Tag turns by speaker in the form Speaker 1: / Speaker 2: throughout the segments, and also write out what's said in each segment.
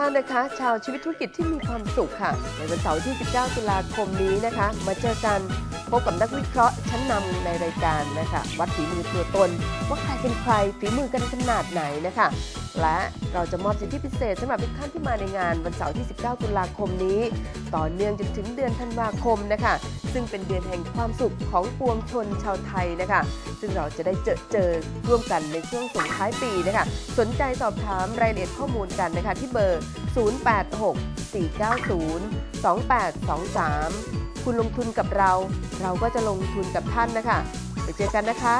Speaker 1: านนะคะชาวชีวิตธุรกิจที่มีความสุขค่ะในวันเสาร์ที่ 19 ตุลาคมนี้นะคะมาเจอกันพบกับนักวิเคราะห์ชั้นนำในรายการนะคะวัดฝีมือตัวตนว่าใครเป็นใครฝีมือกันขนาดไหนนะคะและเราจะมอบสิทธิพิเศษสำหรับทุกท่านที่มาในงานวันเสาร์ที่ 19 ตุลาคมนี้ต่อเนื่องจนถึงเดือนธันวาคมนะคะซึ่งเป็นเดือนแห่งความสุขของปวงชนชาวไทยนะคะซึ่งเราจะได้เจอร่วมกันในช่วงส่งท้ายปีนะคะสนใจสอบถามรายละเอียดข้อมูลกันนะคะที่เบอร์ 0864902823 คุณลงทุนกับเราเราก็จะลงทุนกับท่านนะคะไปเจอกันนะคะ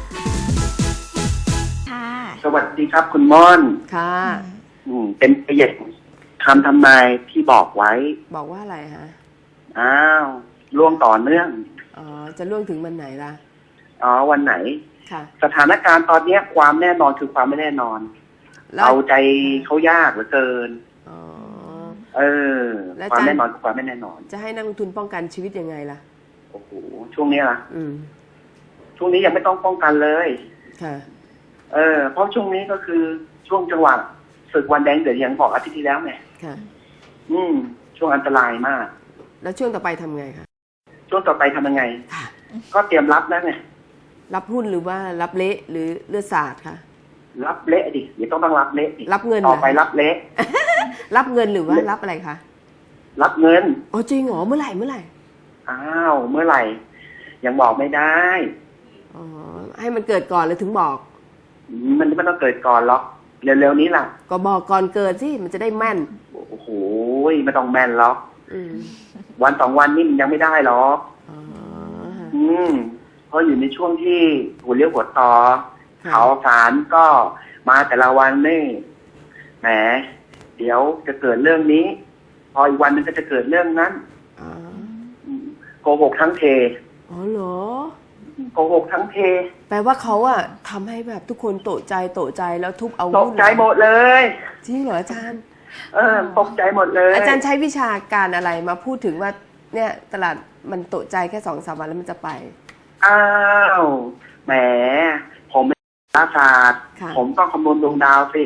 Speaker 2: สวัสดีครับคุณม่อน
Speaker 1: ค่ะ
Speaker 2: เป็นประโยคคำทำนายที่บอกไว้
Speaker 1: บอกว่าอะไรฮะ
Speaker 2: ล่วงต่อเนื่อง
Speaker 1: จะล่วงถึงวันไหนล่ะ
Speaker 2: วันไหน
Speaker 1: ค่ะ
Speaker 2: สถานการณ์ตอนนี้ความแน่นอนคือความไม่แน่นอนเอาใจเขายากเหลือเกินความแน่นอนคือความไม่แน่นอน
Speaker 1: จะให้นักลงทุนป้องกันชีวิตยังไงล่ะ
Speaker 2: โอ้โหช่วงนี้ล่ะช่วงนี้ยังไม่ต้องป้องกันเลย
Speaker 1: ค่ะ
Speaker 2: เพราะช่วงนี้ก็คือช่วงจังหวะศึกวันแดงเดือดอย่างบอกอาทิตย์ที่แล้วไง
Speaker 1: ค่ะ
Speaker 2: ช่วงอันตรายมาก
Speaker 1: แล้วช่วงต่อไปทำไงคะ
Speaker 2: ช่วงต่อไปทำยังไงก็เตรียมรับแล้วไง
Speaker 1: รับหุ้นหรือว่ารับเละหรือเลือดสาดคะ
Speaker 2: รับเละดิเดี๋ยวต้องรับเละ
Speaker 1: รับเงิน
Speaker 2: ต่อไปรับเละ
Speaker 1: รับเงินหรือว่ารับอะไรคะ
Speaker 2: รับเงิน
Speaker 1: จริงเหรอเมื่อไหร่
Speaker 2: เมื่อไหร่ยังบอกไม่ได้
Speaker 1: ให้มันเกิดก่อนเลยถึงบอก
Speaker 2: มันไม่ต้องเกิดก่อนหรอกเร็วๆนี้ล่ะ
Speaker 1: ก็บอกก่อนเกิดสิมันจะได้แม่น
Speaker 2: โอ้โหไม่ต้องแม่นหรอกวัน2 วันนี่มันยังไม่ได้หรอกเพราะอยู่ในช่วงที่หัวเลี้ยวหัวต่อข่าวสารก็มาแต่ละวันนี่แหมเดี๋ยวจะเกิดเรื่องนี้พออีกวันนึงก็จะเกิดเรื่องนั้นโกหกทั้งเท
Speaker 1: เหรอ
Speaker 2: โกหกทั้งเท
Speaker 1: แปลว่าเขาทำให้แบบทุกคนโตใจแล้วทุบเอา
Speaker 2: ตกใจหมดเลย
Speaker 1: จริงเหรออาจารย์
Speaker 2: ตกใจหมดเลย
Speaker 1: อาจารย์ใช้วิชาการอะไรมาพูดถึงว่าเนี่ยตลาดมันโตใจแค่2-3 วันแล้วมันจะไป
Speaker 2: แหมผมเป็นนักศาสตร์ผมต้องคำนวณดวงดาวสิ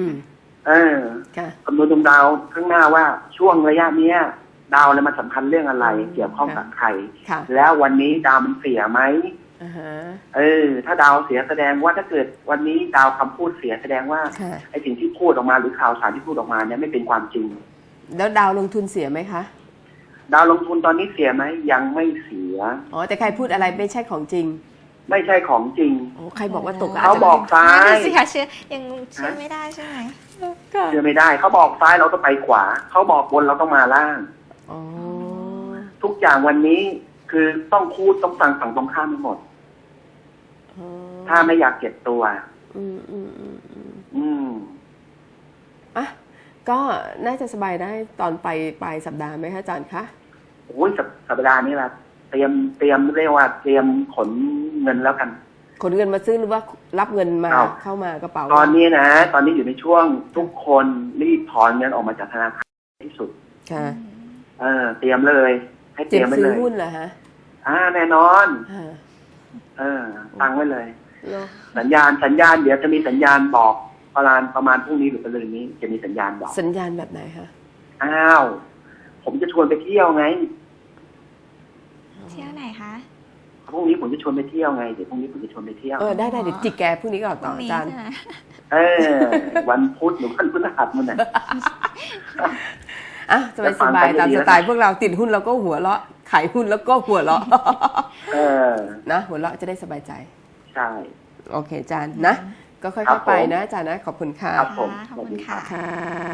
Speaker 2: คำนวณดวงดาวข้างหน้าว่าช่วงระยะเนี้ยดาวมันสำคัญเรื่องอะไรเกี่ยวข้องกับใครแล้ววันนี้ดาวมันเสียไหมถ้าดาวเสียแสดงว่าถ้าเกิดวันนี้ดาวคำพูดเสียแสดงว่าไอ้สิ่งที่พูดออกมาหรือข่าวสารที่พูดออกมาเนี่ยไม่เป็นความจริง
Speaker 1: แล้วดาวลงทุนเสียไหมคะ
Speaker 2: ดาวลงทุนตอนนี้เสียไหมยังไม่เสีย
Speaker 1: แต่ใครพูดอะไรไม่ใช่ของจริง
Speaker 2: ไม่ใช่ของจริง
Speaker 1: ใครบอกว่าตก
Speaker 2: เขาบอกซ้าย
Speaker 3: สิคะเชื่อยังเชื่อไม่ได้ใช่ไหม
Speaker 2: เชื่อไม่ได้เขาบอกซ้ายเราต้องไปขวาเขาบอกบนเราต้องมาล่างทุกอย่างวันนี้คือต้องพูดต้องฟังฝั่งตรงข้ามทั้งหมดถ้าไม่อยากเก็บตัว
Speaker 1: ก็น่าจะสบายได้ตอนไปปลายสัปดาห์ไหมคะอาจารย์คะ
Speaker 2: โอ้ยสัปดาห์นี้ละเตรียมเรียกว่าเตรียมขนเงินแล้วกัน
Speaker 1: ขนเงินมาซื้อหรือว่ารับเงินมาเข้ามากระเป๋า
Speaker 2: ตอนนี้อยู่ในช่วงทุกคนรีบถอนเงินออกมาจากธนาคารที่สุด
Speaker 1: ค่ะ
Speaker 2: เตรียมเลยให้เตรียมไว้เลย
Speaker 1: ซื้อหุ้นเหรอฮะ
Speaker 2: แน่นอนตั้งไว้เลยสัญญาณเดี๋ยวจะมีสัญญาณบอกประมาณพรุ่งนี้หรือประมาณนี้จะมีสัญญาณบอก
Speaker 1: สัญญาณแบบไหนคะ
Speaker 2: ผมจะชวนไปเที่ยวไง
Speaker 3: เที่ยวไหนคะ
Speaker 2: พรุ่งนี้ผมจะชวนไปเที่ยวไงเดี๋ยวพรุ่งนี้ผมจะชวนไปเที่ยว
Speaker 1: ได้เดี๋ยวจิกแกพรุ่งนี้ก่อนต่ออาจารย์
Speaker 2: วันพุธหรือวันพฤหัสมันน่ะ
Speaker 1: สบายตามสไตล์พวกเราติดหุ้นแล้วก็หัวเราะขายหุ้นแล้วก็หัวเราะนะหัวเราะจะได้สบายใจ
Speaker 2: ใช่
Speaker 1: โอเคอาจารย์นะก็ค่อยๆไปนะอาจารย์นะขอบคุณค่ะ
Speaker 2: ครับผม
Speaker 3: ขอบคุณค่ะ